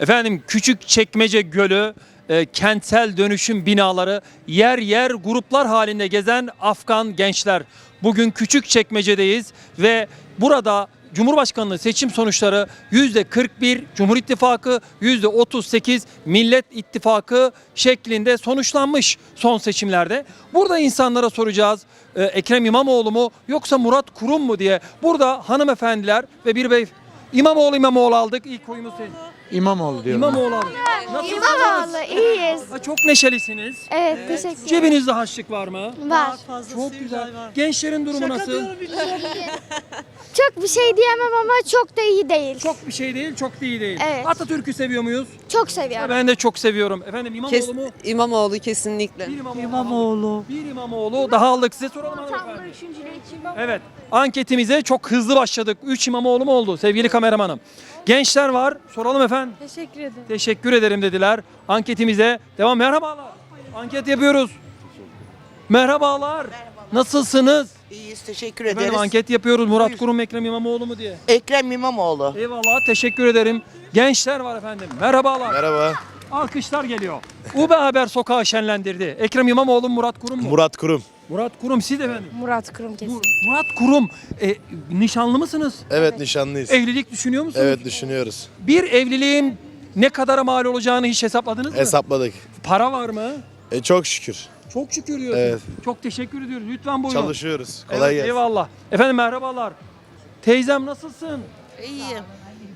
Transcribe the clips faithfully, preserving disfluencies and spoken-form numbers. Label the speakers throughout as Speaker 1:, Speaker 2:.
Speaker 1: Efendim Küçükçekmece Gölü, e, kentsel dönüşüm binaları, yer yer gruplar halinde gezen Afgan gençler. Bugün Küçükçekmece'deyiz ve burada Cumhurbaşkanlığı seçim sonuçları yüzde kırk bir Cumhur İttifakı, yüzde otuz sekiz Millet İttifakı şeklinde sonuçlanmış son seçimlerde. Burada insanlara soracağız, e, Ekrem İmamoğlu mu yoksa Murat Kurum mu diye. Burada hanımefendiler ve bir bey İmamoğlu İmamoğlu aldık. İlk oyumuz senin.
Speaker 2: İmamoğlu diyorum.
Speaker 1: İmamoğlu aldık. Nasılsınız?
Speaker 3: İmamoğlu iyiyiz.
Speaker 1: Ha, çok neşelisiniz.
Speaker 3: Evet, teşekkür ederim.
Speaker 1: Cebinizde harçlık var mı?
Speaker 3: Var.
Speaker 1: Çok güzel. Gençlerin durumu nasıl?
Speaker 3: Çok bir şey diyemem ama çok da iyi değil.
Speaker 1: Çok bir şey değil, çok da iyi değil.
Speaker 3: Evet.
Speaker 1: Atatürk'ü seviyor muyuz?
Speaker 3: Çok seviyorum.
Speaker 1: Ben de çok seviyorum. Efendim İmamoğlu
Speaker 4: Kes,
Speaker 1: mu?
Speaker 4: İmamoğlu kesinlikle.
Speaker 1: Bir İmamoğlu. İmamoğlu. Bir İmamoğlu. Daha aldık. Size soralım hanımefendi. Evet. Anketimize çok hızlı başladık. Üç İmamoğlu mu oldu sevgili kameramanım? Gençler var. Soralım efendim.
Speaker 3: Teşekkür ederim.
Speaker 1: Teşekkür ederim dediler. Anketimize devam. Merhabalar. Anket yapıyoruz. Merhabalar. Nasılsınız?
Speaker 5: İyiyiz, teşekkür
Speaker 1: Efendim
Speaker 5: ederiz.
Speaker 1: anket yapıyoruz. Murat Kurum, Ekrem İmamoğlu mu diye.
Speaker 5: Ekrem İmamoğlu.
Speaker 1: Eyvallah. Teşekkür ederim. Gençler var efendim. Merhabalar.
Speaker 6: Merhaba.
Speaker 1: Alkışlar geliyor. U B Haber sokağı şenlendirdi. Ekrem İmamoğlu, Murat Kurum mu?
Speaker 6: Murat Kurum.
Speaker 1: Murat Kurum siz de efendim.
Speaker 3: Murat Kurum kesin.
Speaker 1: Mur- Murat Kurum. E, nişanlı mısınız?
Speaker 6: Evet, nişanlıyız.
Speaker 1: Evlilik düşünüyor musunuz?
Speaker 6: Evet, düşünüyoruz.
Speaker 1: Bir evliliğin ne kadara mal olacağını hiç hesapladınız mı?
Speaker 6: Hesapladık.
Speaker 1: Para var mı?
Speaker 6: E, çok şükür.
Speaker 1: Çok şükür diyorsun.
Speaker 6: Evet.
Speaker 1: Çok teşekkür ediyoruz. Lütfen buyurun.
Speaker 6: Çalışıyoruz.
Speaker 1: Evet,
Speaker 6: Kolay gelsin.
Speaker 1: eyvallah. Efendim merhabalar. Teyzem nasılsın?
Speaker 7: İyiyim.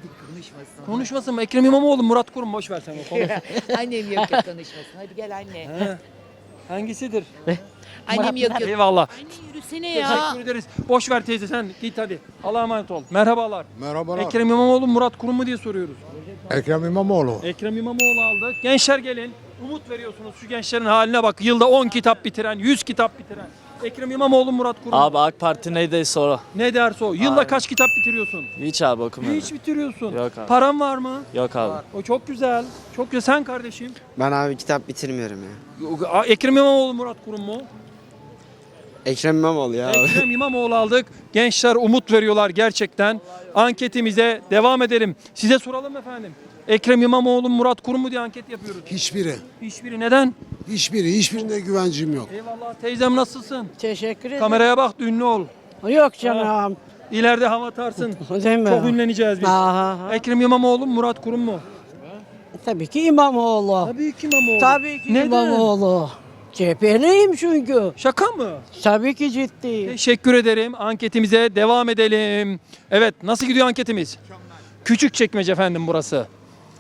Speaker 1: Konuşmasın mı? Ekrem İmamoğlu, Murat Kurum boş ver sen o konuyu.
Speaker 7: Annem yok yok konuşmasın. Hadi gel anne.
Speaker 1: He. Hangisidir?
Speaker 7: Annem yok yok.
Speaker 1: Eyvallah.
Speaker 7: Anne yürüsene ya.
Speaker 1: Teşekkür ederiz. Boş ver teyze sen git hadi. Allah'a emanet ol. Merhabalar.
Speaker 2: Merhabalar.
Speaker 1: Ekrem İmamoğlu, Murat Kurum mu diye soruyoruz.
Speaker 2: Ekrem İmamoğlu.
Speaker 1: Ekrem İmamoğlu aldık. Gençler gelin. Umut veriyorsunuz şu gençlerin haline bak. Yılda on kitap bitiren, yüz kitap bitiren. Ekrem İmamoğlu, Murat Kurum.
Speaker 8: Abi AK Parti neydi sonra?
Speaker 1: Ne derse o. Yılda
Speaker 8: Aynen.
Speaker 1: kaç kitap bitiriyorsun?
Speaker 8: Hiç abi okumuyorum.
Speaker 1: Hiç bitiriyorsun.
Speaker 8: Yok abi.
Speaker 1: Paran var mı?
Speaker 8: Yok abi.
Speaker 1: O çok güzel. Çok güzel. Sen kardeşim.
Speaker 9: Ben abi kitap bitirmiyorum ya.
Speaker 1: Ekrem İmamoğlu, Murat Kurum mu?
Speaker 9: Ekrem İmamoğlu ya abi.
Speaker 1: Ekrem İmamoğlu aldık. Gençler umut veriyorlar gerçekten. Anketimize devam edelim. Size soralım efendim. Ekrem İmamoğlu, Murat Kurum mu diye anket yapıyoruz.
Speaker 10: Hiçbiri.
Speaker 1: Hiçbiri neden?
Speaker 10: Hiçbiri. Hiçbirinde güvencim yok.
Speaker 1: Eyvallah teyzem nasılsın?
Speaker 7: Teşekkür ederim.
Speaker 1: Kameraya bak da ünlü ol.
Speaker 7: Yok canım.
Speaker 1: İleride hava atarsın.
Speaker 7: Değil mi?
Speaker 1: Çok ünleneceğiz biz.
Speaker 7: Aha.
Speaker 1: Ekrem İmamoğlu, Murat Kurum mu?
Speaker 7: Tabii ki İmamoğlu.
Speaker 1: Tabii ki İmamoğlu.
Speaker 7: Tabii ki
Speaker 1: Neden?
Speaker 7: İmamoğlu. C H P'liyim çünkü.
Speaker 1: Şaka mı?
Speaker 7: Tabii ki ciddi.
Speaker 1: Teşekkür ederim. Anketimize devam edelim. Evet, nasıl gidiyor anketimiz? Küçükçekmece efendim burası.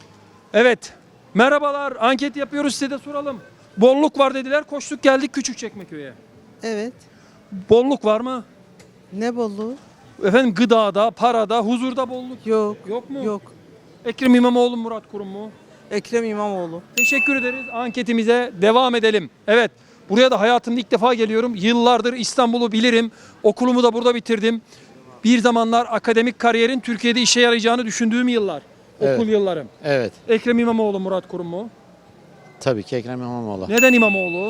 Speaker 1: Evet. Merhabalar. Anket yapıyoruz, size de soralım. Bolluk var dediler. Koştuk geldik Küçükçekmeköy'e.
Speaker 4: Evet.
Speaker 1: Bolluk var mı?
Speaker 4: Ne bolluğu?
Speaker 1: Efendim gıdada, parada, huzurda bolluk.
Speaker 4: Yok.
Speaker 1: Yok mu?
Speaker 4: Yok.
Speaker 1: Ekrem İmamoğlu, Murat Kurum mu?
Speaker 4: Ekrem İmamoğlu.
Speaker 1: Teşekkür ederiz. Anketimize devam edelim. Evet. Buraya da hayatımda ilk defa geliyorum. Yıllardır İstanbul'u bilirim. Okulumu da burada bitirdim. Bir zamanlar akademik kariyerin Türkiye'de işe yarayacağını düşündüğüm yıllar.
Speaker 2: Evet.
Speaker 1: Okul yıllarım.
Speaker 2: Evet.
Speaker 1: Ekrem İmamoğlu, Murat Kurum mu?
Speaker 2: Tabii ki Ekrem İmamoğlu.
Speaker 1: Neden İmamoğlu?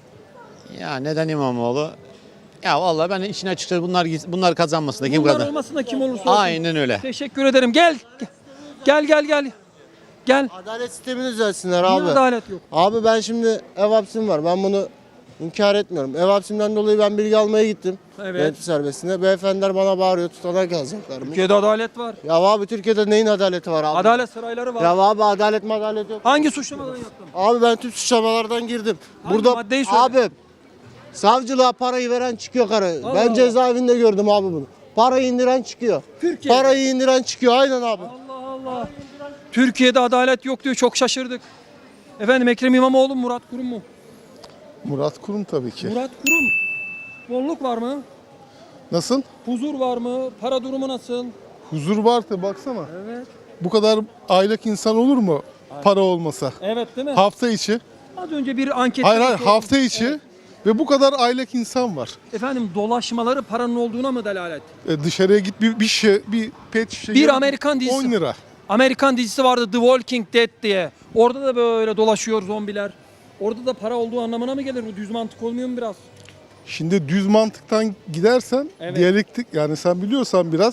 Speaker 2: Ya neden İmamoğlu? Ya vallahi ben işin açıkçası bunlar bunlar kazanmasın da kim
Speaker 1: Bunlar
Speaker 2: kazan?
Speaker 1: olmasın da kim olursa olsun.
Speaker 2: Aynen öyle.
Speaker 1: Teşekkür ederim. Gel. Gel gel gel. Gel.
Speaker 11: Adalet sistemini düzelsinler
Speaker 1: Niye
Speaker 11: abi.
Speaker 1: adalet yok?
Speaker 11: Abi ben şimdi ev hapsim var. Ben bunu inkar etmiyorum. Ev hapsimden dolayı ben bilgi almaya gittim.
Speaker 1: Evet.
Speaker 11: Yönetim serbestine. Beyefendiler bana bağırıyor, tutanak yazacaklarmış.
Speaker 1: Türkiye'de adalet var.
Speaker 11: Ya abi Türkiye'de neyin adaleti var abi?
Speaker 1: Adalet sarayları var.
Speaker 11: Ya abi adalet madalet yok.
Speaker 1: Hangi suçlamadan yaptın?
Speaker 11: Abi ben tüm suçlamalardan girdim.
Speaker 1: Hangi
Speaker 11: Burada
Speaker 1: maddeyi söyle?
Speaker 11: abi savcılığa parayı veren çıkıyor karı.
Speaker 1: Allah
Speaker 11: ben
Speaker 1: Allah.
Speaker 11: cezaevinde gördüm abi bunu. Parayı indiren çıkıyor.
Speaker 1: Türkiye.
Speaker 11: Parayı indiren çıkıyor aynen abi.
Speaker 1: Allah Allah. Türkiye'de adalet yok diyor. Çok şaşırdık. Efendim Ekrem İmamoğlu, Murat Kurum mu?
Speaker 6: Murat Kurum tabii ki.
Speaker 1: Murat Kurum. Bolluk var mı?
Speaker 6: Nasıl?
Speaker 1: Huzur var mı? Para durumu nasıl?
Speaker 6: Huzur var tabii, baksana.
Speaker 1: Evet.
Speaker 6: Bu kadar aylak insan olur mu para olmasa?
Speaker 1: Evet değil mi?
Speaker 6: Hafta içi.
Speaker 1: Az önce bir anket.
Speaker 6: Hayır hayır hafta içi. Ve bu kadar aylak insan var.
Speaker 1: Efendim dolaşmaları paranın olduğuna mı delalet?
Speaker 6: E, dışarıya git bir, bir şey, bir pet şişe.
Speaker 1: Bir
Speaker 6: gel,
Speaker 1: Amerikan dizisi.
Speaker 6: on lira.
Speaker 1: Amerikan dizisi vardı The Walking Dead diye. Orada da böyle dolaşıyor zombiler. Orada da para olduğu anlamına mı gelir? Bu düz mantık olmuyor mu biraz?
Speaker 6: Şimdi düz mantıktan gidersen
Speaker 1: Evet.
Speaker 6: diyalektik, yani sen biliyorsan biraz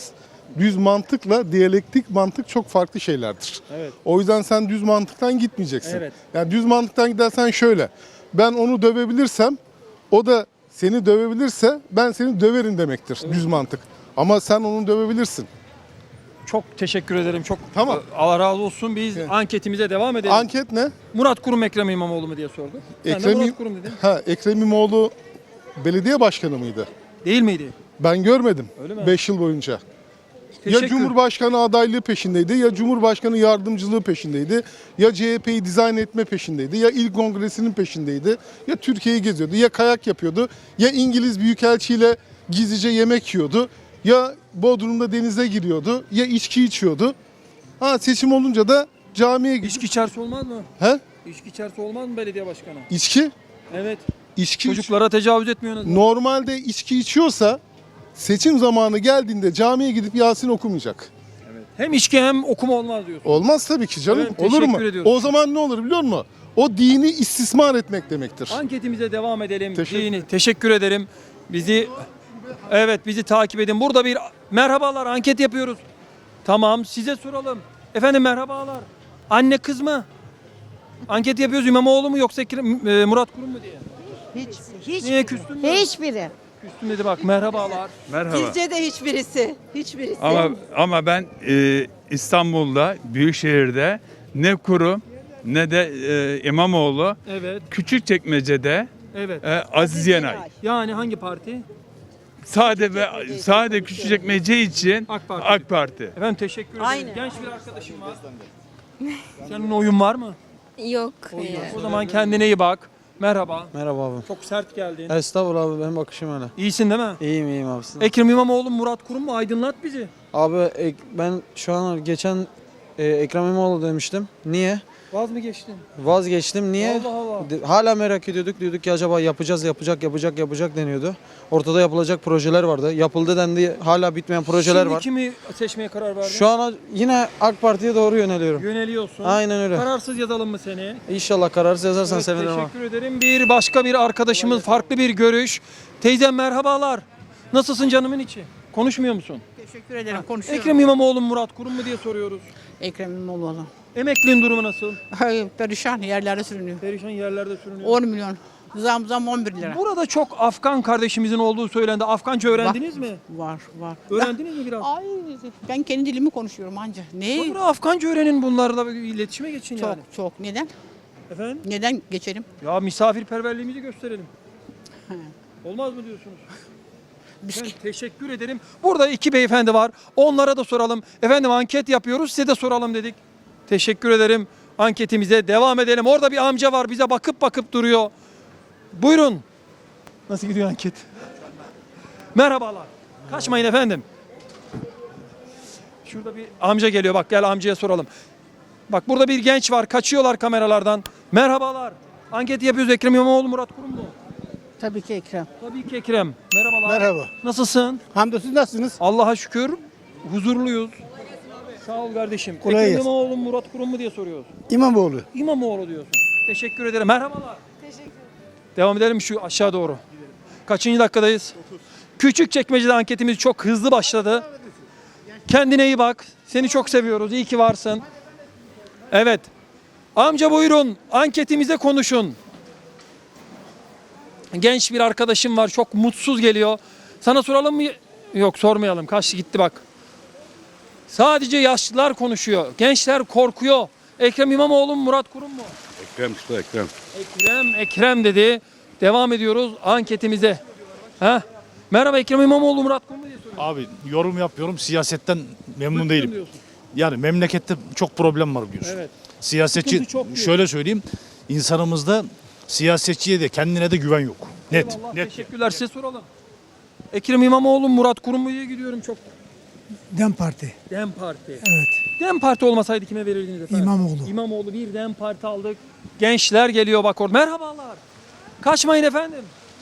Speaker 6: düz mantıkla diyalektik mantık çok farklı şeylerdir.
Speaker 1: Evet.
Speaker 6: O yüzden sen düz mantıktan gitmeyeceksin.
Speaker 1: Evet.
Speaker 6: Yani düz mantıktan gidersen şöyle. Ben onu dövebilirsem o da seni dövebilirse ben seni döverim demektir düz mantık. Ama sen onu dövebilirsin.
Speaker 1: Çok teşekkür ederim. Çok
Speaker 6: Tamam.
Speaker 1: e, Allah razı olsun. Biz
Speaker 6: Evet.
Speaker 1: anketimize devam edelim.
Speaker 6: Anket ne?
Speaker 1: Murat Kurum Ekrem İmamoğlu mu diye sordu. Ben de
Speaker 6: Ekrem,
Speaker 1: Murat Kurum dedim.
Speaker 6: ha, Ekrem İmamoğlu belediye başkanı mıydı?
Speaker 1: Değil miydi?
Speaker 6: Ben görmedim
Speaker 1: Öyle mi?
Speaker 6: beş yıl boyunca.
Speaker 1: Teşekkür.
Speaker 6: Ya Cumhurbaşkanı adaylığı peşindeydi, ya Cumhurbaşkanı yardımcılığı peşindeydi, ya C H P'yi dizayn etme peşindeydi, ya İl Kongresi'nin peşindeydi, ya Türkiye'yi geziyordu, ya kayak yapıyordu, ya İngiliz Büyükelçiyle gizlice yemek yiyordu, ya Bodrum'da denize giriyordu, ya içki içiyordu. Ha seçim olunca da camiye gidiyor.
Speaker 1: İçki içerse olmaz mı?
Speaker 6: He?
Speaker 1: İçki içerse olmaz mı belediye başkanı?
Speaker 6: İçki?
Speaker 1: Evet.
Speaker 6: İçki iç-
Speaker 1: Çocuklara tecavüz etmiyorsunuz.
Speaker 6: Normalde içki içiyorsa seçim zamanı geldiğinde camiye gidip Yasin okumayacak.
Speaker 1: Hem içki hem okuma olmaz diyorsun.
Speaker 6: Olmaz tabii ki canım.
Speaker 1: Evet,
Speaker 6: Olur mu?
Speaker 1: teşekkür ediyoruz.
Speaker 6: O zaman ne olur biliyor musun? O dini istismar etmek demektir.
Speaker 1: Anketimize devam edelim.
Speaker 6: Teşekkür-
Speaker 1: Dini. Teşekkür ederim. Bizi evet bizi takip edin. Burada bir merhabalar anket yapıyoruz. Tamam size soralım. Efendim merhabalar. Anne kız mı? Anket yapıyoruz İmamoğlu mu yoksa Ekrem- e, Murat Kurum mu diye.
Speaker 7: Hiç, hiç,
Speaker 1: Niye küstün mü?
Speaker 7: hiçbiri.
Speaker 1: Küstün dedi bak merhabalar.
Speaker 12: Merhaba.
Speaker 4: Bizce de hiçbirisi. Hiçbirisi.
Speaker 12: Ama ama ben e, İstanbul'da, Büyükşehir'de ne kurum ne de e, İmamoğlu,
Speaker 1: Evet.
Speaker 12: Küçükçekmece'de
Speaker 1: Evet.
Speaker 12: e, Aziz Yenay.
Speaker 1: Yani hangi parti?
Speaker 12: Sade ve sade Küçükçekmece için
Speaker 1: AK Parti.
Speaker 12: AK Parti.
Speaker 1: Efendim teşekkür ederim.
Speaker 4: Aynen.
Speaker 1: Genç bir arkadaşım var. Senin oyun var mı?
Speaker 3: Yok.
Speaker 1: O zaman kendine iyi bak. Merhaba.
Speaker 9: Merhaba abi.
Speaker 1: Çok sert geldin.
Speaker 9: Estağfurullah abi benim bakışım öyle.
Speaker 1: İyisin değil mi?
Speaker 9: İyiyim iyiyim abi.
Speaker 1: Ekrem İmamoğlu, Murat Kurum mu? Aydınlat bizi.
Speaker 9: Abi ek- ben şu an geçen e, Ekrem İmamoğlu demiştim. Niye?
Speaker 1: Vaz mı geçtin?
Speaker 9: Vazgeçtim. Niye?
Speaker 1: Allah Allah.
Speaker 9: De- Hala merak ediyorduk. Diyorduk ki acaba yapacağız, yapacak, yapacak, yapacak deniyordu. Ortada yapılacak projeler vardı. Yapıldı dendi. Hala bitmeyen projeler
Speaker 1: Şimdi
Speaker 9: var.
Speaker 1: kimi seçmeye karar verdin?
Speaker 9: Şu an yine AK Parti'ye doğru yöneliyorum.
Speaker 1: Yöneliyorsun.
Speaker 9: Aynen öyle.
Speaker 1: Kararsız yazalım mı seni?
Speaker 9: İnşallah kararsız yazarsan
Speaker 1: Evet,
Speaker 9: sevinirim abi.
Speaker 1: teşekkür ederim. Bir başka bir arkadaşımız farklı bir görüş. Teyzem merhabalar. Nasılsın canımın içi? Konuşmuyor musun?
Speaker 7: Teşekkür ederim. Konuşuyorum.
Speaker 1: Ekrem İmamoğlu, Murat Kurum mu diye soruyoruz.
Speaker 7: Ekrem İmamoğlu.
Speaker 1: Emekliliğin durumu nasıl?
Speaker 7: Hayır, perişan yerlerde sürünüyor.
Speaker 1: Perişan yerlerde sürünüyor.
Speaker 7: on milyon. Zam zam on bir lira.
Speaker 1: Burada çok Afgan kardeşimizin olduğu söylendi. Afganca öğrendiniz mi?
Speaker 7: Var, var.
Speaker 1: Öğrendiniz mi biraz?
Speaker 7: Ay, ben kendi dilimi konuşuyorum anca. Ne?
Speaker 1: Sonra Afganca öğrenin bunlarla bir iletişime geçin
Speaker 7: Çok,
Speaker 1: yani.
Speaker 7: çok. Neden?
Speaker 1: Efendim?
Speaker 7: Neden geçelim?
Speaker 1: Ya misafirperverliğimizi gösterelim. Olmaz mı diyorsunuz? Ben teşekkür ederim. Burada iki beyefendi var. Onlara da soralım. Efendim anket yapıyoruz. Size de soralım dedik. Teşekkür ederim. Anketimize devam edelim. Orada bir amca var. Bize bakıp bakıp duruyor. Buyurun. Nasıl gidiyor anket? Merhabalar. Kaçmayın efendim. Şurada bir amca geliyor. Bak gel amcaya soralım. Bak burada bir genç var. Kaçıyorlar kameralardan. Merhabalar. Anket yapıyoruz. Ekrem İmamoğlu, Murat Kurum mu?
Speaker 7: Tabii ki Ekrem.
Speaker 1: Tabii ki Ekrem. Merhabalar.
Speaker 10: Merhaba.
Speaker 1: Nasılsın?
Speaker 10: Hamdolsun nasılsınız?
Speaker 1: Allah'a şükür huzurluyuz. Sağ ol kardeşim.
Speaker 10: Kolay
Speaker 1: Ekrem
Speaker 10: gelsin.
Speaker 1: İmamoğlu, Murat Kurum mu diye soruyoruz.
Speaker 10: İmamoğlu.
Speaker 1: İmamoğlu diyorsun. Teşekkür ederim. Merhabalar. Teşekkür ederim. Devam edelim şu aşağı doğru. Kaçıncı dakikadayız? Küçükçekmece'de anketimiz çok hızlı başladı. Kendine iyi bak. Seni çok seviyoruz. İyi ki varsın. Evet. Amca buyurun. Anketimize konuşun. Genç bir arkadaşım var. Çok mutsuz geliyor. Sana soralım mı? Yok sormayalım. Kaçtı gitti bak. Sadece yaşlılar konuşuyor. Gençler korkuyor. Ekrem İmamoğlu mu, Murat Kurum mu?
Speaker 12: Ekrem işte Ekrem.
Speaker 1: Ekrem, Ekrem dedi. Devam ediyoruz anketimize. Ha? Merhaba Ekrem İmamoğlu, Murat Kurum mu diye soruyorum.
Speaker 13: Abi yorum yapıyorum. Siyasetten memnun
Speaker 1: Bıktım
Speaker 13: değilim.
Speaker 1: diyorsun.
Speaker 13: Yani memlekette çok problem var biliyorsun.
Speaker 1: Evet.
Speaker 13: Siyasetçi
Speaker 1: Sıkıntı çok diyor.
Speaker 13: şöyle söyleyeyim. İnsanımızda siyasetçiye de kendine de güven yok. Net.
Speaker 1: Eyvallah,
Speaker 13: Net.
Speaker 1: teşekkürler. Size soralım. Ekrem İmamoğlu, Murat Kurum mu diye gidiyorum çok.
Speaker 10: Dem Parti.
Speaker 1: Dem Parti.
Speaker 10: Evet.
Speaker 1: Dem Parti olmasaydı kime verirdiniz efendim?
Speaker 10: İmamoğlu.
Speaker 1: İmamoğlu bir Dem Parti aldık. Gençler geliyor bak orada. Merhabalar. Kaçmayın efendim.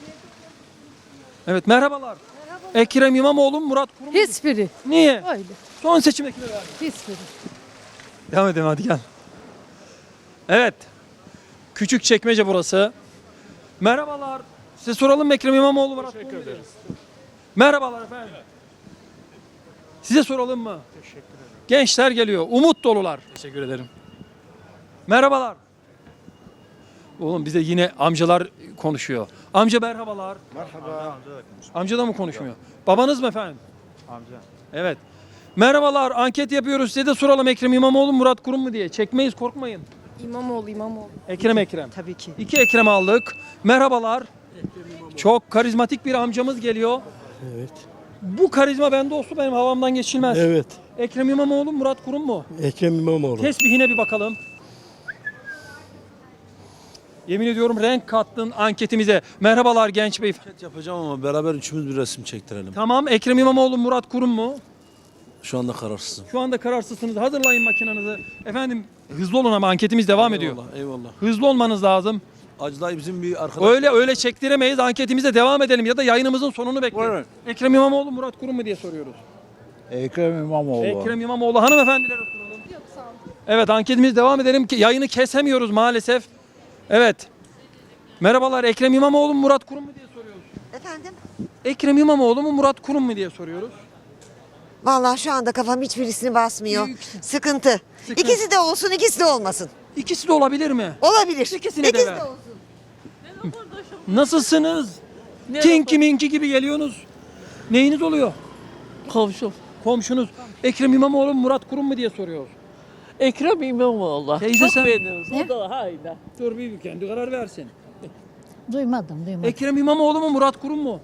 Speaker 1: Evet merhabalar. Ekrem İmamoğlu, Murat Kurum mu?
Speaker 7: Hiçbiri.
Speaker 1: Niye?
Speaker 7: Öyle.
Speaker 1: Son seçimde kime verdin?
Speaker 7: Hiçbiri.
Speaker 1: Devam edelim hadi gel. Evet. Küçükçekmece burası. Merhabalar. Size soralım mı Ekrem İmamoğlu, Murat Kurum mu diye? Merhabalar efendim. Size soralım mı? Teşekkür ederim. Gençler geliyor. Umut dolular.
Speaker 8: Teşekkür ederim.
Speaker 1: Merhabalar. Oğlum bize yine amcalar konuşuyor. Amca merhabalar.
Speaker 13: Merhaba.
Speaker 1: Amca da mı konuşmuyor? Babanız mı efendim? Amca. Evet. Merhabalar. Anket yapıyoruz. Size de soralım Ekrem İmamoğlu, Murat Kurum mu diye. Çekmeyiz, korkmayın.
Speaker 4: İmamoğlu, İmamoğlu.
Speaker 1: Ekrem Ekrem.
Speaker 4: Tabii ki.
Speaker 1: İki Ekrem aldık. Merhabalar. Çok karizmatik bir amcamız geliyor.
Speaker 10: Evet.
Speaker 1: Bu karizma bende olsun benim havamdan geçilmez.
Speaker 10: Evet.
Speaker 1: Ekrem İmamoğlu, Murat Kurum mu?
Speaker 10: Ekrem İmamoğlu.
Speaker 1: Tesbihine bir bakalım. Yemin ediyorum renk kattın anketimize. Merhabalar genç bey.
Speaker 9: Yapacağım ama beraber üçümüz bir resim çektirelim.
Speaker 1: Tamam, Ekrem İmamoğlu, Murat Kurum mu?
Speaker 9: Şu anda kararsızım.
Speaker 1: Şu anda kararsızsınız. Hazırlayın makinenizi. Efendim hızlı olun ama anketimiz devam ediyor.
Speaker 9: Eyvallah, eyvallah.
Speaker 1: Hızlı olmanız lazım.
Speaker 9: Acıday bizim bir arkadaş.
Speaker 1: Öyle öyle çektiremeyiz. Anketimize devam edelim ya da yayınımızın sonunu bekleyin.
Speaker 9: Buyurun.
Speaker 1: Ekrem İmamoğlu, Murat Kurum mu diye soruyoruz.
Speaker 13: Ekrem İmamoğlu.
Speaker 1: Ekrem İmamoğlu hanımefendilere soralım. Yok sağ olun. Evet anketimiz devam edelim ki yayını kesemiyoruz maalesef. Evet. Merhabalar Ekrem İmamoğlu mu Murat Kurum mu diye soruyoruz.
Speaker 5: Efendim?
Speaker 1: Ekrem İmamoğlu mu Murat Kurum mu diye soruyoruz.
Speaker 5: Vallahi şu anda kafam hiçbirisini basmıyor.
Speaker 1: Büyük
Speaker 5: Sıkıntı.
Speaker 1: Sıkıntı.
Speaker 5: İkisi de olsun, ikisi de olmasın.
Speaker 1: İkisi de olabilir mi?
Speaker 5: Olabilir.
Speaker 1: İkisine de
Speaker 5: İkisi
Speaker 1: ver.
Speaker 5: de olsun.
Speaker 1: Nasılsınız? Tinki minki gibi geliyorsunuz. Neyiniz oluyor?
Speaker 7: Komşum.
Speaker 1: Komşunuz. Ekrem İmamoğlu mu Murat Kurum mu diye soruyoruz.
Speaker 7: Ekrem İmamoğlu.
Speaker 1: Teyze sen.
Speaker 7: O da hayda.
Speaker 1: Dur bir kendi karar versin.
Speaker 3: Duymadım duymadım.
Speaker 1: Ekrem İmamoğlu mu Murat Kurum mu?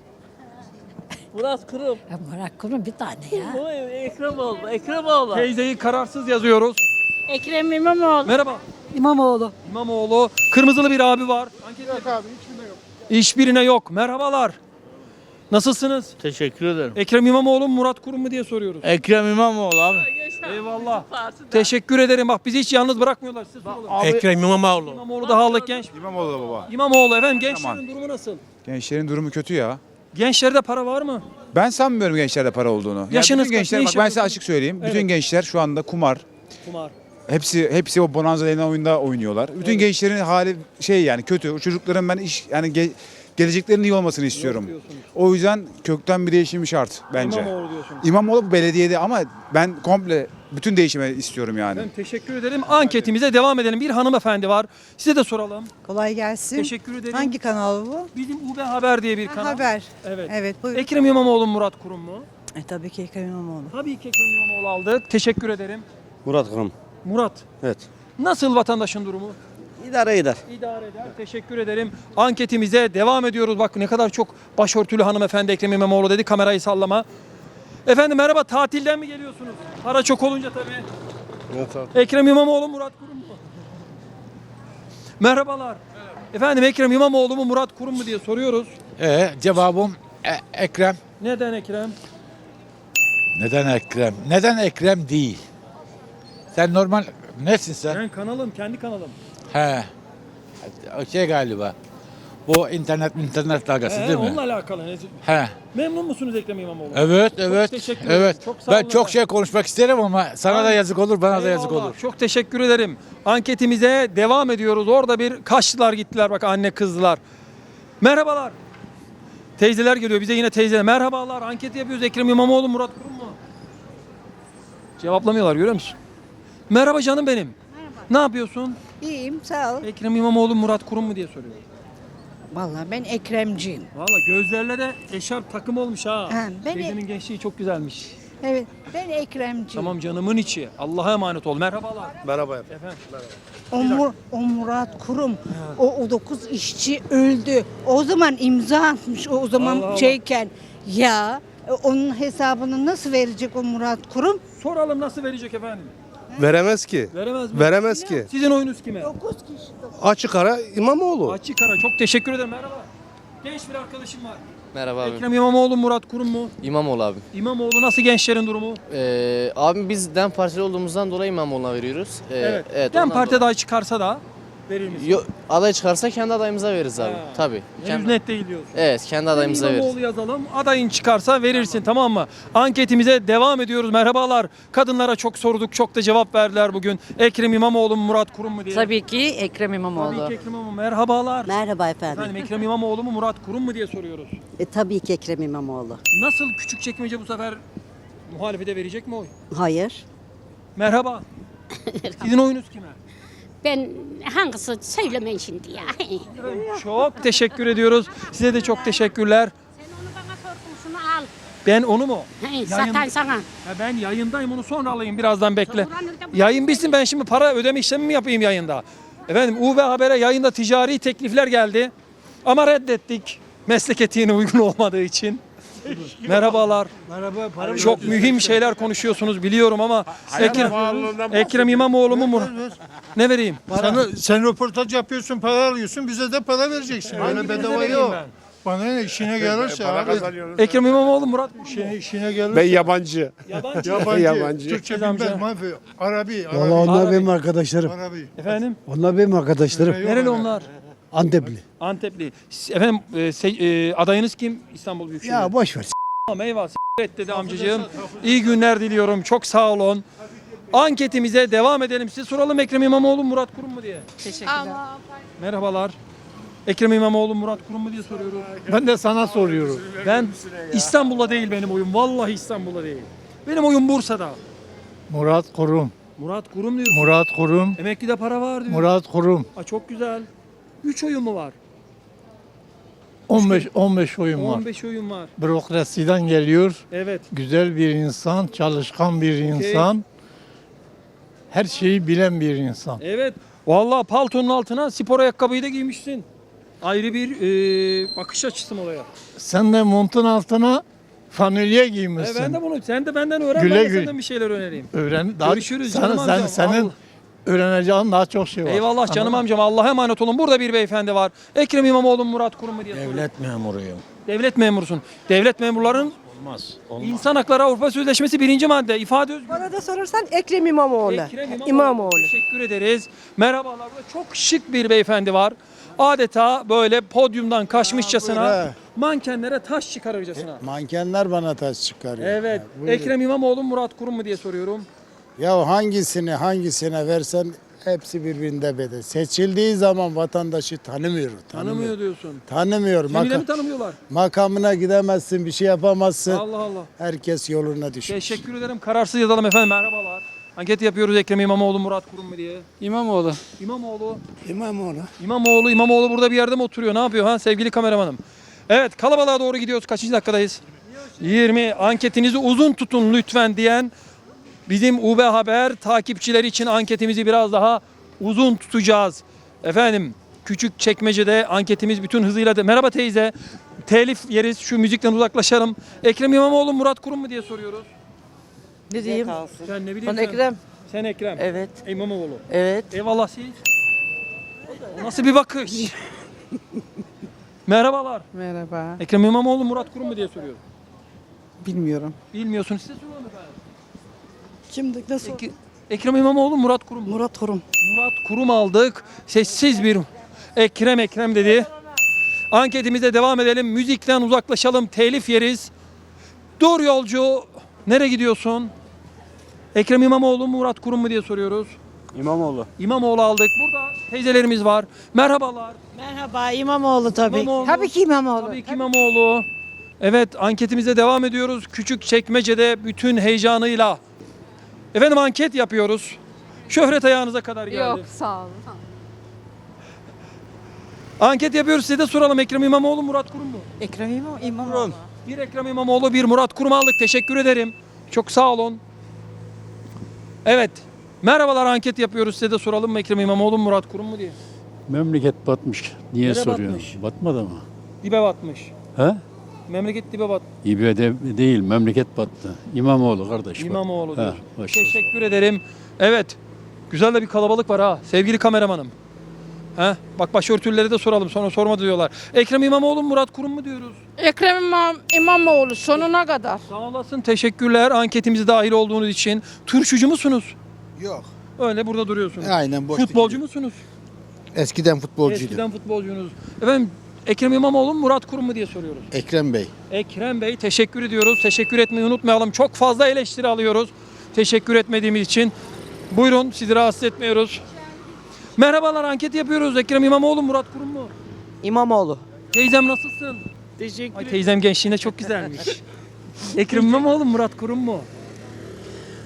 Speaker 7: Murat Kurum.
Speaker 3: Murat Kurum bir tane ya.
Speaker 7: Bu Ekremoğlu. Ekremoğlu.
Speaker 1: Teyzeyi kararsız yazıyoruz.
Speaker 3: Ekrem İmamoğlu.
Speaker 1: Merhaba.
Speaker 3: İmamoğlu.
Speaker 1: İmamoğlu. Kırmızılı bir abi var. Yok abi hiçbirine yok. Hiçbirine yok. Merhabalar. Nasılsınız?
Speaker 8: Teşekkür ederim.
Speaker 1: Ekrem İmamoğlu mu Murat Kurum mu diye soruyoruz.
Speaker 8: Ekrem İmamoğlu abi.
Speaker 1: Eyvallah. Teşekkür ederim. Bak bizi hiç yalnız bırakmıyorlar. Siz sorun.
Speaker 13: Ekrem İmamoğlu.
Speaker 1: İmamoğlu daha aldık genç.
Speaker 12: İmamoğlu da baba.
Speaker 1: İmamoğlu efendim gençlerin
Speaker 12: Tamam.
Speaker 1: durumu nasıl?
Speaker 12: Gençlerin durumu kötü ya.
Speaker 1: Gençlerde para var mı?
Speaker 12: Ben sanmıyorum gençlerde para olduğunu. Yani
Speaker 1: Yaşınız
Speaker 12: bütün
Speaker 1: kaç?
Speaker 12: gençler
Speaker 1: Ne
Speaker 12: bak
Speaker 1: iş
Speaker 12: ben size
Speaker 1: yapıyorsunuz?
Speaker 12: açık söyleyeyim.
Speaker 1: Evet.
Speaker 12: Bütün gençler şu anda kumar.
Speaker 1: Kumar.
Speaker 12: Hepsi hepsi o bonanza denen oyunda oynuyorlar. Bütün
Speaker 1: Evet.
Speaker 12: gençlerin hali şey yani kötü. O çocukların ben iş yani ge- geleceklerinin iyi olmasını istiyorum.
Speaker 1: diyorsunuz.
Speaker 12: O yüzden kökten bir değişim şart bence.
Speaker 1: İmamoğlu diyorsunuz.
Speaker 12: İmamoğlu bu belediyede ama ben komple bütün değişimi istiyorum yani.
Speaker 1: Ben teşekkür ederim. Anketimize devam edelim. Bir hanımefendi var. Size de soralım.
Speaker 4: Kolay gelsin.
Speaker 1: Teşekkür ederim.
Speaker 4: Hangi kanal bu?
Speaker 1: Bizim U B Haber diye bir
Speaker 4: Ha,
Speaker 1: kanal.
Speaker 4: Haber.
Speaker 1: Evet.
Speaker 4: Evet buyurun.
Speaker 1: Ekrem İmamoğlu mu Murat Kurum mu?
Speaker 4: E, tabii ki Ekrem İmamoğlu.
Speaker 1: Tabii ki Ekrem İmamoğlu aldık. Teşekkür ederim.
Speaker 11: Murat Kurum.
Speaker 1: Murat.
Speaker 11: Evet.
Speaker 1: Nasıl vatandaşın durumu?
Speaker 11: İdare eder.
Speaker 1: İdare eder. Teşekkür ederim. Anketimize devam ediyoruz. Bak ne kadar çok başörtülü hanımefendi Ekrem İmamoğlu dedi. Kamerayı sallama. Efendim merhaba. Tatilden mi geliyorsunuz? Para çok olunca tabii.
Speaker 11: Evet abi.
Speaker 1: Ekrem İmamoğlu Murat Kurum mu? Merhabalar. Efendim Ekrem İmamoğlu mu Murat Kurum mu diye soruyoruz.
Speaker 13: Ee, cevabım e- Ekrem.
Speaker 1: Neden Ekrem?
Speaker 13: Neden Ekrem? Neden Ekrem değil? Sen normal nesin sen?
Speaker 1: Ben kanalım, kendi kanalım.
Speaker 13: He. O şey galiba. Bu internet internet dalgası
Speaker 1: Ee,
Speaker 13: değil mi?
Speaker 1: onunla alakalı. Ne-
Speaker 13: He.
Speaker 1: Memnun musunuz Ekrem İmamoğlu?
Speaker 13: Evet, evet.
Speaker 1: teşekkür ederim.
Speaker 13: Evet.
Speaker 1: Çok sağ
Speaker 13: ben
Speaker 1: olun
Speaker 13: çok
Speaker 1: efendim.
Speaker 13: şey konuşmak isterim ama sana da
Speaker 1: Aynen.
Speaker 13: yazık olur, bana da yazık
Speaker 1: Eyvallah,
Speaker 13: olur.
Speaker 1: Çok teşekkür ederim. Anketimize devam ediyoruz. Orada bir kaçtılar gittiler bak anne kızdılar. Merhabalar. Teyzeler geliyor bize yine teyzeler. Merhabalar anket yapıyoruz Ekrem İmamoğlu Murat Kurum mu? Cevaplamıyorlar görüyor musun? Merhaba canım benim. Merhaba. Ne yapıyorsun?
Speaker 4: İyiyim sağ ol.
Speaker 1: Ekrem İmamoğlu Murat Kurum mu diye soruyor.
Speaker 7: Vallahi ben Ekremciyim.
Speaker 1: Valla gözlerle de eşarp takım olmuş ha.
Speaker 7: Ha, ben-
Speaker 1: Teyzenin gençliği çok güzelmiş.
Speaker 7: Evet ben Ekremciyim.
Speaker 1: Tamam canımın içi. Allah'a emanet ol. Merhabalar.
Speaker 11: Merhaba efendim.
Speaker 1: Efendim.
Speaker 7: O, Mur- o Murat Kurum, o, o dokuz işçi öldü. O zaman imza atmış o, o zaman
Speaker 1: Allah Allah.
Speaker 7: şeyken. Ya e, onun hesabını nasıl verecek o Murat Kurum?
Speaker 1: Soralım nasıl verecek efendim?
Speaker 11: Veremez ki.
Speaker 1: Veremez mi?
Speaker 11: Veremez ki.
Speaker 1: Sizin oyunuz kime?
Speaker 7: dokuz kişi.
Speaker 11: Açık ara İmamoğlu.
Speaker 1: Açık ara. Çok teşekkür ederim. Merhaba. Genç bir arkadaşım var.
Speaker 8: Merhaba abi.
Speaker 1: Ekrem İmamoğlu, Murat Kurum mu?
Speaker 8: İmamoğlu abi.
Speaker 1: İmamoğlu nasıl gençlerin durumu?
Speaker 8: Ee, abim biz DEM Partili olduğumuzdan dolayı İmamoğlu'na veriyoruz. Ee,
Speaker 1: evet.
Speaker 8: evet
Speaker 1: Dem
Speaker 8: ondan
Speaker 1: Parti
Speaker 8: dolayı.
Speaker 1: adayı çıkarsa da verir misin?
Speaker 8: Yo, aday çıkarsa kendi adayımıza veririz abi.
Speaker 1: Ha.
Speaker 8: Tabii.
Speaker 1: Henüz
Speaker 8: Kendi-
Speaker 1: net değil diyorsun.
Speaker 8: Evet kendi adayımıza veririz.
Speaker 1: İmamoğlu yazalım. Adayın çıkarsa verirsin tamam mı? Anketimize devam ediyoruz. Merhabalar. Kadınlara çok sorduk. Çok da cevap verdiler bugün. Ekrem İmamoğlu mu Murat Kurum mu diye.
Speaker 4: Tabii ki Ekrem İmamoğlu.
Speaker 1: Tabii ki Ekrem İmamoğlu. Merhabalar.
Speaker 5: Merhaba efendim.
Speaker 1: Efendim Ekrem İmamoğlu mu Murat Kurum mu diye soruyoruz.
Speaker 5: E, tabii ki Ekrem İmamoğlu.
Speaker 1: Nasıl Küçükçekmece bu sefer Muhalefete verecek mi oy?
Speaker 4: Hayır.
Speaker 1: Merhaba. Sizin oyunuz kime?
Speaker 3: Ben hangisi söylemeyin şimdi ya.
Speaker 1: Çok teşekkür ediyoruz. Size de çok teşekkürler.
Speaker 3: Sen onu bana sordun, şunu al.
Speaker 1: Ben onu mu?
Speaker 3: He, satan sana.
Speaker 1: Ya ben yayındayım, onu sonra alayım, birazdan bekle. Yayın bitsin, ben şimdi para ödeme işlemi mi yapayım yayında? Efendim U V Haber'e yayında ticari teklifler geldi. Ama reddettik. Meslek etiğine uygun olmadığı için. Merhabalar.
Speaker 10: Merhaba. Para
Speaker 1: Çok mühim şeyler konuşuyorsunuz biliyorum ama Ekrem, Ekrem İmamoğlu mu? Mur- Ne vereyim?
Speaker 10: Sen, sen röportaj yapıyorsun, para alıyorsun, bize de para vereceksin. Öyle bedava
Speaker 1: vereyim
Speaker 10: yok.
Speaker 1: ben?
Speaker 10: Bana ne işine gelirse abi.
Speaker 1: Ekrem İmamoğlu, Murat Kurum mu?
Speaker 10: İşine, işine gelirse.
Speaker 11: Ben yabancı.
Speaker 1: Yabancı.
Speaker 10: Yabancı.
Speaker 11: Yabancı.
Speaker 10: Türkçe
Speaker 1: Amca.
Speaker 10: bilmez. Mahve. Arabi.
Speaker 6: Valla
Speaker 10: Arabi.
Speaker 6: onlar
Speaker 1: Arabi.
Speaker 6: benim arkadaşlarım.
Speaker 10: Arabi.
Speaker 1: Efendim?
Speaker 6: Onlar benim arkadaşlarım.
Speaker 1: Nereli onlar?
Speaker 6: Antepli.
Speaker 1: Antepli. S- Efendim e, se- e, adayınız kim? İstanbul Büyükşehir.
Speaker 6: Ya boş ver.
Speaker 1: Tamam, eyvah. S- et dedi amcacığım. İyi günler diliyorum. Çok sağ olun. Anketimize devam edelim. Size soralım, Ekrem İmamoğlu, Murat Kurum mu diye.
Speaker 4: Teşekkürler.
Speaker 1: Merhabalar. Ekrem İmamoğlu, Murat Kurum mu diye soruyorum.
Speaker 10: Ben de sana soruyorum.
Speaker 1: Ben İstanbul'da değil benim oyum. Vallahi İstanbul'da değil. Benim oyum Bursa'da.
Speaker 10: Murat Kurum.
Speaker 1: Murat Kurum diyor.
Speaker 10: Murat Kurum.
Speaker 1: Emeklide para var diyor.
Speaker 10: Murat Kurum.
Speaker 1: Aa, çok güzel. üç oyun mu var?
Speaker 10: on beş on beş oyun var.
Speaker 1: on beş oyun var.
Speaker 10: Bürokrasiden geliyor.
Speaker 1: Evet.
Speaker 10: Güzel bir insan, çalışkan bir insan. Her şeyi bilen bir insan.
Speaker 1: Evet. Vallahi paltonun altına spor ayakkabıyı da giymişsin. Ayrı bir e, bakış açısı mı olaya?
Speaker 10: Sen de montun altına fanilye
Speaker 1: E,
Speaker 10: giymişsin.
Speaker 1: ben de bunu, sen de benden öğren,
Speaker 10: Güle
Speaker 1: ben de
Speaker 10: güle.
Speaker 1: senden bir şeyler önereyim.
Speaker 10: Öğren, daha,
Speaker 1: Görüşürüz
Speaker 10: sen,
Speaker 1: canım
Speaker 10: sen,
Speaker 1: amcam.
Speaker 10: senin
Speaker 1: Allah.
Speaker 10: öğreneceğin daha çok şey var.
Speaker 1: Eyvallah canım
Speaker 10: Anladın mı?
Speaker 1: amcam. Allah'a emanet olun. Burada bir beyefendi var. Ekrem İmamoğlu, Murat Kurum mu diye soruyor.
Speaker 13: Devlet memuruyum.
Speaker 1: Devlet memurusun. Devlet memurların
Speaker 13: Olmaz.
Speaker 1: İnsan Hakları Avrupa Sözleşmesi birinci madde. İfade özgürlüğü.
Speaker 4: Bana da sorarsan Ekrem İmamoğlu.
Speaker 1: Ekrem İmamoğlu. Teşekkür ederiz. Merhabalar. Burada çok şık bir beyefendi var. Adeta böyle podyumdan kaçmışçasına mankenlere taş çıkarırcasına.
Speaker 6: Mankenler bana taş çıkarıyor.
Speaker 1: Evet. Ekrem İmamoğlu, Murat Kurum mu diye soruyorum.
Speaker 6: Ya hangisini hangisine versen hepsi birbirinde bedel. Seçildiği zaman vatandaşı tanımıyor.
Speaker 1: Tanımıyor diyorsun.
Speaker 6: Tanımıyor.
Speaker 1: Seni de
Speaker 6: Maka-
Speaker 1: mi tanımıyorlar?
Speaker 6: makamına gidemezsin, bir şey yapamazsın.
Speaker 1: Allah Allah.
Speaker 6: Herkes yoluna düşmüş.
Speaker 1: Teşekkür ederim. Kararsız yazalım efendim. Merhabalar. Anket yapıyoruz, Ekrem İmamoğlu, Murat Kurum mu diye.
Speaker 9: İmamoğlu.
Speaker 1: İmamoğlu.
Speaker 10: İmamoğlu.
Speaker 1: İmamoğlu, İmamoğlu burada bir yerde mi oturuyor? Ne yapıyor ha sevgili kameramanım? Evet, kalabalığa doğru gidiyoruz. Kaçıncı dakikadayız? yirmi. Anketinizi uzun tutun lütfen diyen bizim U B Haber takipçileri için anketimizi biraz daha uzun tutacağız. Efendim, Küçükçekmece'de anketimiz bütün hızıyla... De... Merhaba teyze. Telif yeriz. Şu müzikten uzaklaşalım. Ekrem İmamoğlu, Murat Kurum mu diye soruyoruz.
Speaker 4: Ne diyeyim?
Speaker 1: Sen ne bileyim
Speaker 4: Ben
Speaker 1: sen?
Speaker 4: Ekrem.
Speaker 1: Sen Ekrem.
Speaker 4: Evet.
Speaker 1: İmamoğlu.
Speaker 4: Evet.
Speaker 1: Eyvallah siz. O nasıl bir bakış? Merhabalar.
Speaker 4: Merhaba.
Speaker 1: Ekrem İmamoğlu, Murat Kurum mu diye soruyorum.
Speaker 4: Bilmiyorum.
Speaker 1: Bilmiyorsunuz, size soralım efendim.
Speaker 4: Kimdi? Nasıl?
Speaker 1: Ek- Ekrem İmamoğlu, Murat Kurum mu?
Speaker 4: Murat Kurum.
Speaker 1: Murat Kurum aldık. Sessiz bir Ekrem Ekrem dedi. Anketimize devam edelim. Müzikten uzaklaşalım. Telif yeriz. Dur yolcu. Nereye gidiyorsun? Ekrem İmamoğlu, Murat Kurum mu diye soruyoruz.
Speaker 11: İmamoğlu.
Speaker 1: İmamoğlu aldık. Burada teyzelerimiz var. Merhabalar.
Speaker 4: Merhaba İmamoğlu tabii.
Speaker 1: İmamoğlu.
Speaker 4: Tabii ki İmamoğlu.
Speaker 1: Tabii ki İmamoğlu. Evet, anketimize devam ediyoruz. Küçükçekmece'de bütün heyecanıyla. Efendim, anket yapıyoruz. Şöhret ayağınıza kadar geldi.
Speaker 3: Yok, sağ olun.
Speaker 1: Anket yapıyoruz, size de soralım. Ekrem İmamoğlu, Murat Kurum mu?
Speaker 4: Ekrem İmam İmamoğlu.
Speaker 1: Bir Ekrem İmamoğlu, bir Murat Kurum aldık. Teşekkür ederim. Çok sağ olun. Evet. Merhabalar, anket yapıyoruz. Size de soralım mı Ekrem İmamoğlu, Murat Kurum mu diye.
Speaker 13: Memleket batmış. Niye
Speaker 1: Nereye
Speaker 13: soruyorsun?
Speaker 1: batmış?
Speaker 13: Batmadı mı?
Speaker 1: Dibe batmış.
Speaker 13: He?
Speaker 1: Memleket dibe bat.
Speaker 13: İBD değil, memleket battı. İmamoğlu kardeş.
Speaker 1: İmamoğlu
Speaker 13: He,
Speaker 1: diyor.
Speaker 13: baş-
Speaker 1: Teşekkür ederim. Evet. Güzel de bir kalabalık var ha. Sevgili kameramanım. He? Bak, başörtüleri de soralım. Sonra sorma diyorlar. Ekrem İmamoğlu, Murat Kurum mu diyoruz?
Speaker 3: Ekrem İmam, İmamoğlu sonuna kadar.
Speaker 1: Sağ olasın. Teşekkürler anketimize dahil olduğunuz için. Turşucu musunuz?
Speaker 6: Yok.
Speaker 1: Öyle burada duruyorsunuz.
Speaker 6: Aynen boş.
Speaker 1: Futbolcu musunuz?
Speaker 6: Eskiden futbolcuydu.
Speaker 1: Eskiden futbolcunuz. Efendim, Ekrem İmamoğlu mu, Murat Kurum mu diye soruyoruz.
Speaker 6: Ekrem Bey.
Speaker 1: Ekrem Bey, teşekkür ediyoruz. Teşekkür etmeyi unutmayalım. Çok fazla eleştiri alıyoruz. Teşekkür etmediğimiz için. Buyurun, sizi rahatsız etmiyoruz. Merhabalar, anket yapıyoruz. Ekrem İmamoğlu, Murat Kurum mu?
Speaker 4: İmamoğlu.
Speaker 1: Teyzem nasılsın?
Speaker 4: Teşekkür
Speaker 1: Ay, teyzem gençliğinde çok güzelmiş. Ekrem İmamoğlu, Murat Kurum mu?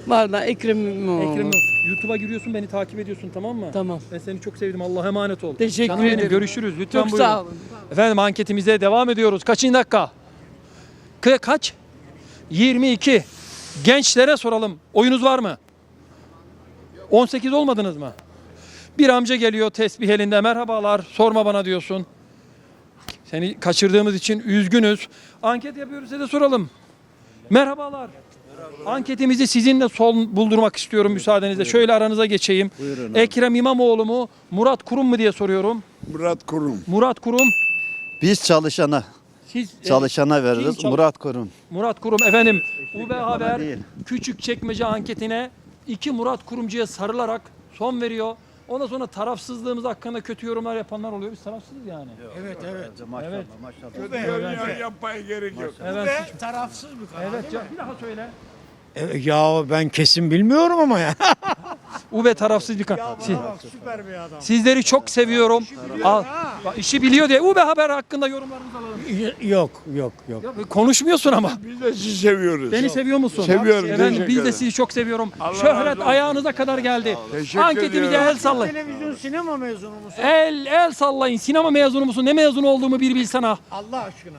Speaker 4: Vallahi Ekrem İmamoğlu.
Speaker 1: Ekrem İmamoğlu. YouTube'a giriyorsun, beni takip ediyorsun, tamam mı?
Speaker 4: Tamam.
Speaker 1: Ben seni çok sevdim. Allah'a emanet ol.
Speaker 4: Teşekkür
Speaker 1: Canım benim,
Speaker 4: ederim.
Speaker 1: görüşürüz. Lütfen
Speaker 4: Çok
Speaker 1: buyurun.
Speaker 4: sağ olun.
Speaker 1: Efendim anketimize devam ediyoruz. Kaçıncı dakika? Ka- kaç? yirmi iki. Gençlere soralım. Oyunuz var mı? on sekiz olmadınız mı? Bir amca geliyor tesbih elinde. Merhabalar, sorma bana diyorsun. Seni kaçırdığımız için üzgünüz. Anket yapıyoruz, size de soralım. Merhabalar. Anketimizi sizinle son buldurmak istiyorum müsaadenizle. Şöyle aranıza geçeyim. Ekrem İmamoğlu mu, Murat Kurum mu diye soruyorum.
Speaker 14: Murat Kurum.
Speaker 1: Murat Kurum.
Speaker 11: Biz çalışana,
Speaker 1: Siz e,
Speaker 11: çalışana veririz.
Speaker 1: kim çalış-
Speaker 11: Murat Kurum.
Speaker 1: Murat Kurum efendim. U B Haber Küçükçekmece anketine iki Murat Kurumcu'ya sarılarak son veriyor. Ondan sonra tarafsızlığımız hakkında kötü yorumlar yapanlar oluyor. Biz tarafsızız yani.
Speaker 14: Evet evet.
Speaker 1: Evet.
Speaker 14: Maşallah. Yapmaya gerek yok.
Speaker 1: Evet.
Speaker 10: Tarafsız mı?
Speaker 1: Evet. ya- Bir daha söyle.
Speaker 10: Ya ben kesin bilmiyorum ama ya.
Speaker 1: U B tarafsız bir kan. Siz-
Speaker 10: Süper bir adam.
Speaker 1: Sizleri çok seviyorum. Al, bak, işi biliyor diye U B Haber hakkında yorumlarınızı alalım.
Speaker 10: Yok yok yok.
Speaker 1: Ya, konuşmuyorsun ama.
Speaker 14: Biz de sizi seviyoruz.
Speaker 1: Beni seviyor musun?
Speaker 14: Seviyorum,
Speaker 1: Efendim,
Speaker 14: teşekkür
Speaker 1: biz de
Speaker 14: ederim.
Speaker 1: sizi çok seviyorum.
Speaker 14: Allah razı
Speaker 1: Şöhret
Speaker 14: olsun.
Speaker 1: ayağınıza kadar geldi.
Speaker 14: Teşekkür
Speaker 1: Anketimize
Speaker 14: ediyorum.
Speaker 1: el sallayın.
Speaker 10: Televizyon sinema mezunu musun?
Speaker 1: El el sallayın. Sinema mezunu musun? Ne mezunu olduğumu bir bilsene.
Speaker 10: Allah aşkına.